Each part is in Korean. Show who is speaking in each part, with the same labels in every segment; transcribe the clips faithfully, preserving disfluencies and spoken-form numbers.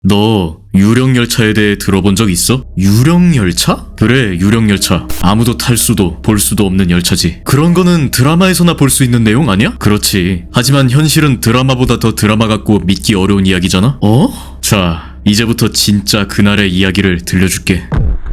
Speaker 1: 너 유령열차에 대해 들어본 적 있어? 유령열차? 그래, 유령열차. 아무도 탈 수도 볼 수도 없는 열차지. 그런 거는 드라마에서나 볼 수 있는 내용 아니야? 그렇지. 하지만 현실은 드라마보다 더 드라마 같고 믿기 어려운 이야기잖아? 어? 자, 이제부터 진짜 그날의 이야기를 들려줄게.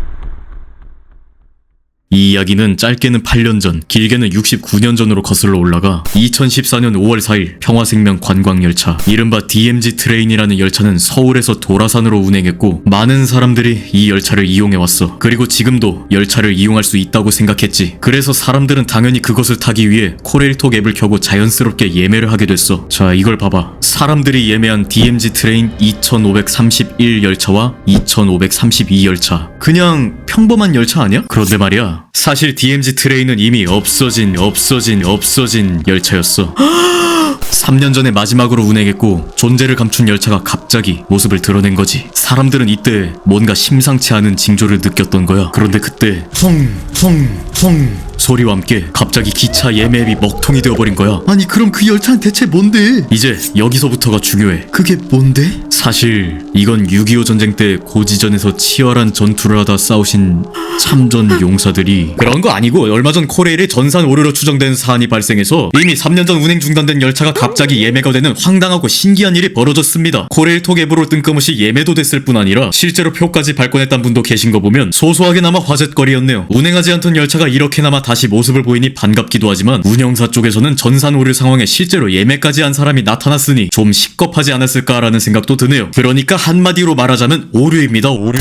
Speaker 1: 이 이야기는 짧게는 팔 년 전, 길게는 육십구 년 전으로 거슬러 올라가 이천십사 년 오월 사일 평화생명 관광열차, 이른바 디엠지 트레인이라는 열차는 서울에서 도라산으로 운행했고 많은 사람들이 이 열차를 이용해왔어. 그리고 지금도 열차를 이용할 수 있다고 생각했지. 그래서 사람들은 당연히 그것을 타기 위해 코레일톡 앱을 켜고 자연스럽게 예매를 하게 됐어. 자, 이걸 봐봐. 사람들이 예매한 디엠지 트레인 이천오백삼십일 열차와 이천오백삼십이 열차. 그냥 평범한 열차 아니야? 그런데 말이야, 사실 디엠지 트레인은 이미 없어진 없어진 없어진 열차였어. 삼 년 전에 마지막으로 운행했고 존재를 감춘 열차가 갑자기 모습을 드러낸 거지. 사람들은 이때 뭔가 심상치 않은 징조를 느꼈던 거야. 그런데 그때 펑펑펑 소리와 함께 갑자기 기차 예매 앱이 먹통이 되어버린 거야. 아니, 그럼 그 열차는 대체 뭔데? 이제 여기서부터가 중요해. 그게 뭔데? 사실 이건 육이오 전쟁 때 고지전에서 치열한 전투를 하다 싸우신 참전 용사들이, 그런 거 아니고 얼마 전 코레일의 전산 오류로 추정되는 사안이 발생해서 이미 삼 년 전 운행 중단된 열차가 갑자기 예매가 되는 황당하고 신기한 일이 벌어졌습니다. 코레일톡 앱으로 뜬금없이 예매도 됐을 뿐 아니라 실제로 표까지 발권했던 분도 계신 거 보면 소소하게나마 화제거리였네요. 운행하지 않던 열차가 이렇게나마 다시 모습을 보이니 반갑기도 하지만 운영사 쪽에서는 전산 오류 상황에 실제로 예매까지 한 사람이 나타났으니 좀 식겁하지 않았을까라는 생각도 드네요. 그러니까 한마디로 말하자면 오류입니다, 오류.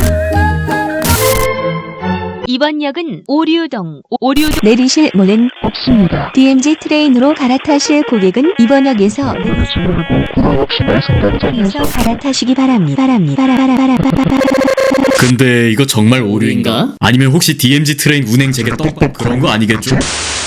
Speaker 2: 이번 역은 오류동, 오류동
Speaker 3: 내리실 문은 없습니다. 디엠지 트레인으로 갈아타실 고객은 이번 역에서 에서 갈아타시기 바랍니다. 바랍니다. 바라바라바라바라.
Speaker 1: 근데 이거 정말 오류인가? 아니면 혹시 디엠지 트레인 운행 재개 떡밥 그런 거 아니겠죠?